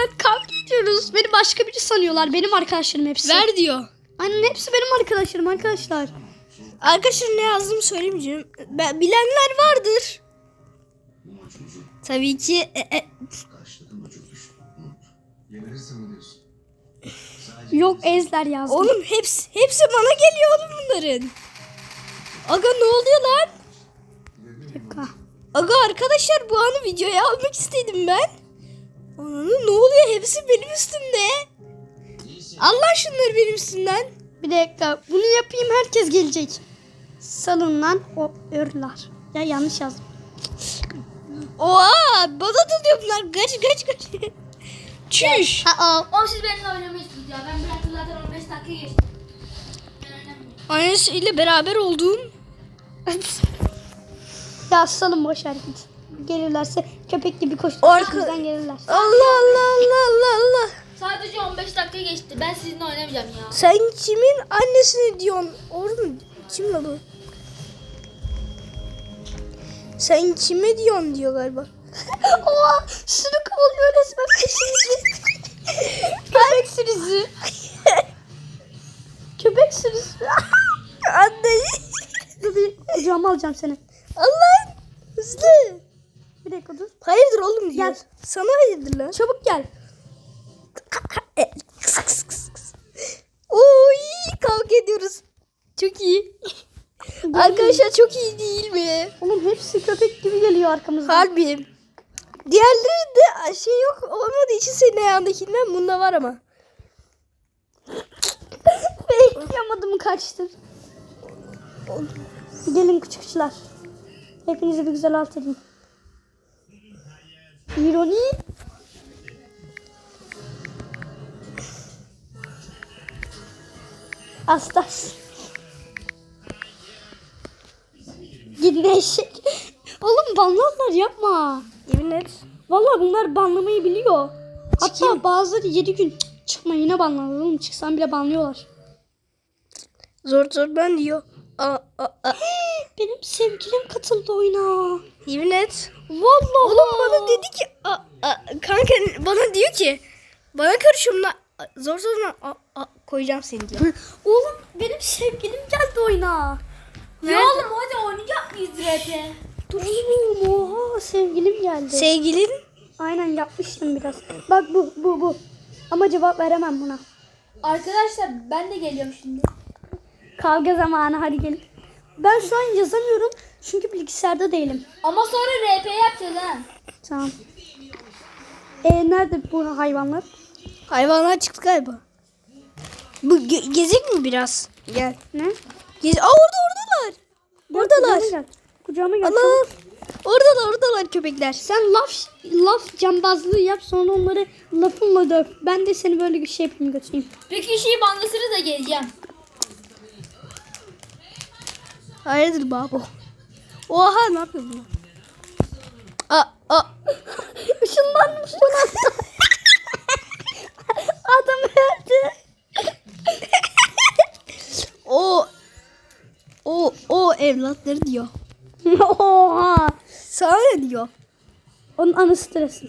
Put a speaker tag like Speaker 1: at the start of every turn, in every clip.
Speaker 1: Arkadaşlar kavga ediyoruz. Beni başka biri sanıyorlar. Benim arkadaşlarım hepsi.
Speaker 2: Ver diyor.
Speaker 1: Aynen hepsi benim arkadaşlarım arkadaşlar.
Speaker 2: Arkadaşlar ne yazdığımı söylemeyeceğim. Bilenler vardır. Tabii ki.
Speaker 1: Yok ezler yazdım.
Speaker 2: Oğlum hepsi bana geliyor oğlum bunların. Aga ne oluyor lan?
Speaker 1: Dakika.
Speaker 2: Aga arkadaşlar bu anı videoya almak istedim ben. Ananı ne oluyor? Hepsi benim üstümde. Allah şunları benim üstümden.
Speaker 1: Bir dakika. Bunu yapayım herkes gelecek. Salın lan o örler. Ya yanlış yazdım.
Speaker 2: Oha bana doluyor bunlar. Kaç. Çüş.
Speaker 3: O siz benimle oynamıyorsunuz ya. Ben bıraktım zaten 15 dakika geçti. Ben oynamıyorum.
Speaker 2: Annesiyle beraber olduğum.
Speaker 1: Ya salın boş ver git. Gelirlerse köpek gibi koştur. Bizden gelirler.
Speaker 2: Allah.
Speaker 3: Sadece 15 dakika geçti. Ben sizinle oynamayacağım ya.
Speaker 2: Sen kimin annesini diyorsun? Oğlum kim la bu? Sen kime diyorsun diyor galiba.
Speaker 1: Oha şunu kovalıyor resmen peşimizi. Köpek sürüsü. Köpek sürüsü.
Speaker 2: Anne.
Speaker 1: Dur bir kucağıma alacağım seni.
Speaker 2: Allah. Hızlı.
Speaker 1: Bir dakika dur.
Speaker 2: Hayırdır oğlum diyor.
Speaker 1: Gel.
Speaker 2: Sana hayırdır lan.
Speaker 1: Çabuk gel.
Speaker 2: Oy kavga ediyoruz. Çok iyi. Arkadaşlar çok iyi değil mi?
Speaker 1: Oğlum hepsi köpek gibi geliyor arkamızdan.
Speaker 2: Harbi. Diğerleri de şey yok olmadığı için senin ayağındakinden bunda var ama.
Speaker 1: Bekleyamadım kaçtır. Gelin küçükçüler. Hepinizi bir güzel alt edeyim. İroni. Astas. Gidin eşek. Oğlum banlarlar yapma.
Speaker 2: Yemin et.
Speaker 1: Vallahi bunlar banlamayı biliyor. Hatta bazıları 7 gün çıkma yine banlarlar oğlum. Çıksan bile banlıyorlar.
Speaker 2: Zor ben diyor.
Speaker 1: Benim sevgilim katıldı oyuna.
Speaker 2: Yemin et.
Speaker 1: Vallahi.
Speaker 2: Oğlum bana dedi ki kanka bana diyor ki bana karışımla zor koyacağım seni diyor.
Speaker 1: Oğlum benim sevgilim geldi oyuna.
Speaker 3: Ya oğlum hadi oynayacak mıyız RP?
Speaker 1: Dur oğlum oha sevgilim geldi.
Speaker 2: Sevgilin
Speaker 1: Aynen yapmıştım biraz. Bak bu. Ama cevap veremem buna.
Speaker 3: Arkadaşlar ben de geliyorum şimdi.
Speaker 1: Kavga zamanı hadi gelin. Ben şu an yazamıyorum çünkü bilgisayarda değilim.
Speaker 3: Ama sonra RP yapacağız ha.
Speaker 1: Tamam. Nerede bu hayvanlar?
Speaker 2: hayvanlar çıktı galiba. Bu gezek mi biraz? Gel.
Speaker 1: Ne?
Speaker 2: Oradalar. Oradalar.
Speaker 1: Kucağıma gel.
Speaker 2: Allah.
Speaker 1: çabuk.
Speaker 2: Oradalar köpekler.
Speaker 1: Sen laf cambazlığı yap sonra onları lafınla döv. Ben de seni böyle bir şey yapayım götüreyim.
Speaker 3: Bir kişiyi banlasınız da geleceğim.
Speaker 2: Hayırdır babo? Oha ne yapıyor bunlar?
Speaker 1: Işınlandım son anda. Adam öldü.
Speaker 2: O evlatları diyor.
Speaker 1: Oha.
Speaker 2: Sana ne diyor?
Speaker 1: Onun anısı stresin.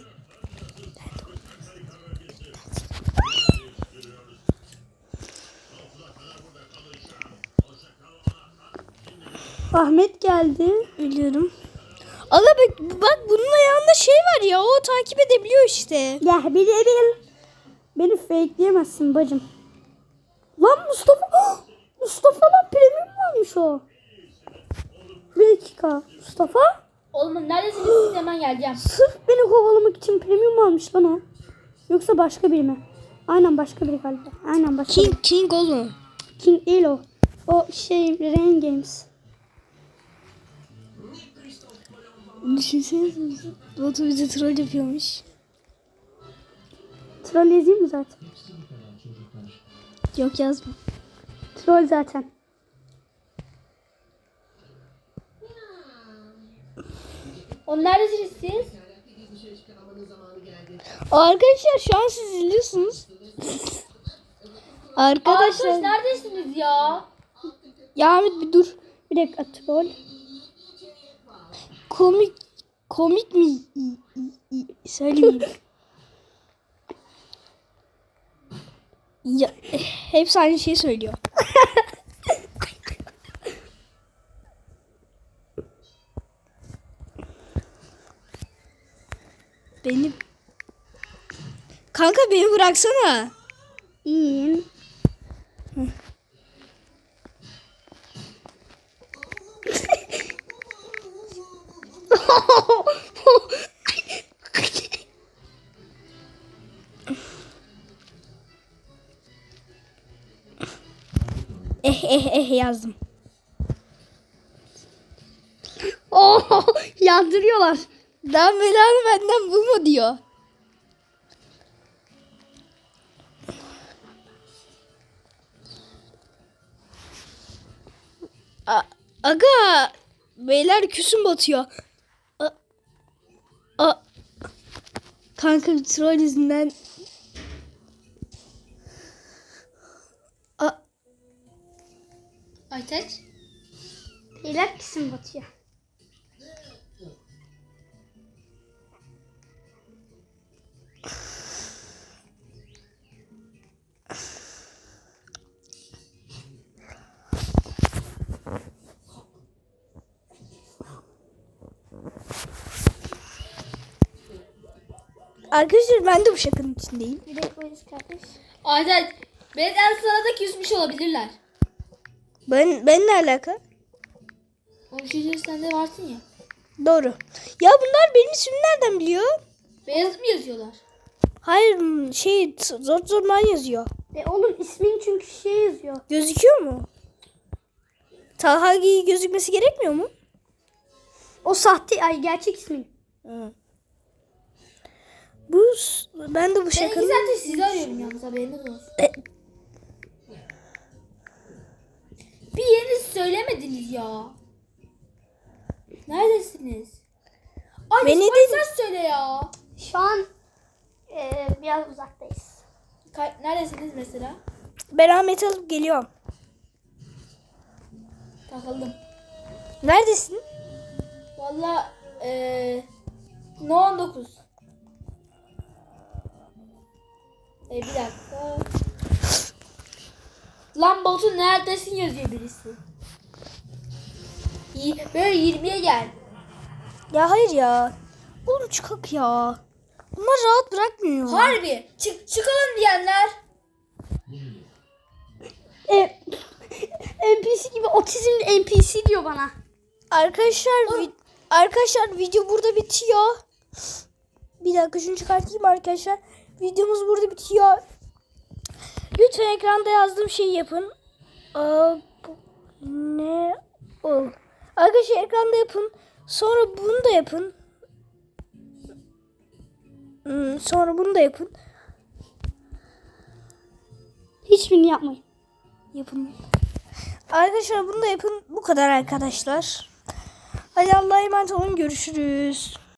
Speaker 1: Ahmet geldi.
Speaker 2: Biliyorum. Allah bak bunun ayağında şey var ya o takip edebiliyor işte.
Speaker 1: Ya bilirim. Beni fakeleyemezsin bacım. Lan Mustafa. Mustafa'dan premium varmış o. Bir dakika. Mustafa
Speaker 3: Oğlum neredesiniz siz hemen geleceğim.
Speaker 1: sırf beni kovalamak için premium almış lan o. Yoksa başka biri mi? Aynen başka biri galiba. Aynen başka biri.
Speaker 2: King oğlum.
Speaker 1: King değil o. O şey Rain Games.
Speaker 2: Düşünsenize. Batu bize troll yapıyormuş.
Speaker 1: Troll yazayım mı zaten?
Speaker 2: Yok yazma.
Speaker 1: Troll zaten.
Speaker 3: Oğlum neredesiniz siz?
Speaker 2: Arkadaşlar şu an siz izliyorsunuz.
Speaker 3: Arkadaş
Speaker 2: Arkadaşlar.
Speaker 3: neredesiniz ya?
Speaker 2: Ya Ahmet bir dur.
Speaker 1: Bir dakika troll.
Speaker 2: Komik mi? Söyleyeyim. Ya, hepsi aynı şeyi söylüyor. Beni... Kanka beni bıraksana.
Speaker 1: İyiyim.
Speaker 2: Yazdım.
Speaker 1: Oh, yandırıyorlar.
Speaker 2: Daha belanı benden bulma diyor. Aga beyler küsüm batıyor. Kanka troll yüzünden.
Speaker 3: Aytaç.
Speaker 1: Beyler kesin batıyor.
Speaker 2: Arkadaşlar ben de bu şakanın içindeyim.
Speaker 1: Bir de polis kardeş.
Speaker 3: Aytaç. Benden sana da küsmüş olabilirler.
Speaker 2: Ben ne alaka?
Speaker 3: O şey sen de varsın ya.
Speaker 2: Doğru. Ya bunlar benim ismimi nereden biliyor?
Speaker 3: Beyaz mı yazıyorlar?
Speaker 2: Hayır zor zorman yazıyor.
Speaker 1: Oğlum ismin çünkü şey yazıyor.
Speaker 2: Gözüküyor mu? Talha gözükmesi gerekmiyor mu?
Speaker 1: O sahte, ay gerçek ismin.
Speaker 2: Ben de bu
Speaker 3: Ben
Speaker 2: şakanın...
Speaker 3: iki saattir sizi arıyorum yalnız, haberiniz olsun. Bir yerinizi söylemediniz ya. Neredesiniz? Ay
Speaker 2: Beni
Speaker 3: ses söyle ya.
Speaker 1: Şu an biraz uzaktayız.
Speaker 3: Neredesiniz mesela?
Speaker 2: Ben Ahmet'i alıp geliyorum.
Speaker 3: Takıldım.
Speaker 2: Neredesin?
Speaker 3: Valla No 19. Bir dakika. Lan Batu neredesin yazıyor birisi. Böyle 20'ye gel.
Speaker 2: Ya hayır ya. Oğlum çıkak ya. Bunlar rahat bırakmıyor.
Speaker 3: Harbi. Çıkalım diyenler.
Speaker 1: NPC gibi otizmli NPC diyor bana.
Speaker 2: Arkadaşlar video burada bitiyor. Bir dakika şunu çıkartayım arkadaşlar. Videomuz burada bitiyor. Lütfen ekranda yazdığım şeyi yapın. Ne ol? Arkadaşlar ekranda yapın. Sonra bunu da yapın. Sonra bunu da yapın.
Speaker 1: Hiçbirini yapmayın.
Speaker 2: Yapın. Arkadaşlar bunu da yapın. Bu kadar arkadaşlar. Hadi Allah'a emanet olun. Görüşürüz.